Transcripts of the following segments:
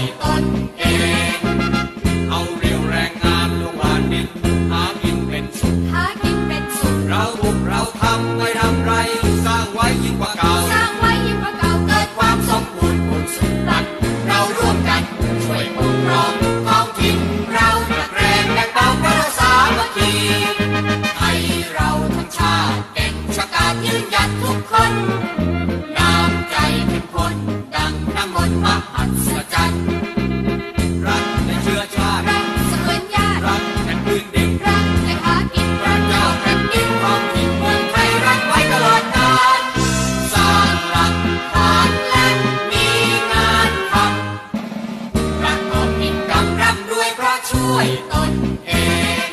ตนเองเอาเรี่ยวแรงงานลงหวานดินหากินเป็นสุขเราบุกเราทำไม่ทำไรสร้างไว้ยิ่งกว่าเก่าเกิดความสมบูรณ์ผลสุขบัตรเราร่วมกันช่วยปกครองท้องถิ่นเราตะแกรงแบ่งเบาเราสามัคคีให้เราทั้งชาติเก่งชะกาจยืนหยัดทุกคนน้ำใจเข้มข้นดังน้ำมนต์มหัศจรรย์รักในเชื้อชาติรักแผ่นพื้นดินพระเจ้าแผ่นดินท้องถิ่นเมืองไทยรักไว้ตลอดกาลสร้างหลักฐานและมีงานทำรักออกกินกำร่ำรวยเพราะช่วยตนเอง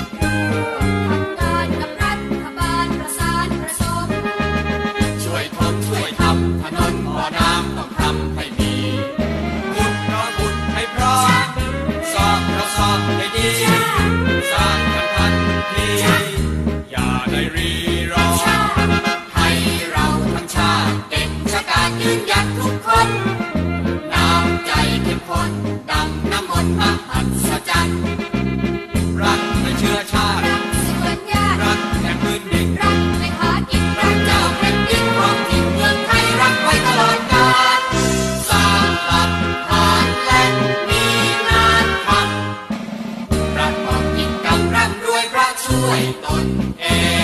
ช่วยทำถนนบ่อน้ำต้องทำให้มีขุดเราขุดให้พร้อมซ่อมเราซ่อมให้ดีสร้างกันทันทีอย่าได้รีรอให้เราทั้งชาติเก่งชะกาจยืนหยัดทุกคนน้ำใจเข้มข้นดังน้ำมนต์มหัศจรรย์รักในเชื้อชาติรักแผ่นพื้นดินพระเจ้าแผ่นดินท้องถิ่นเมืองไทยรักไว้ตลอดกาลสร้างหลักฐานและมีงานทำรักออกกินกำร่ำรวยเพราะช่วยตนเอง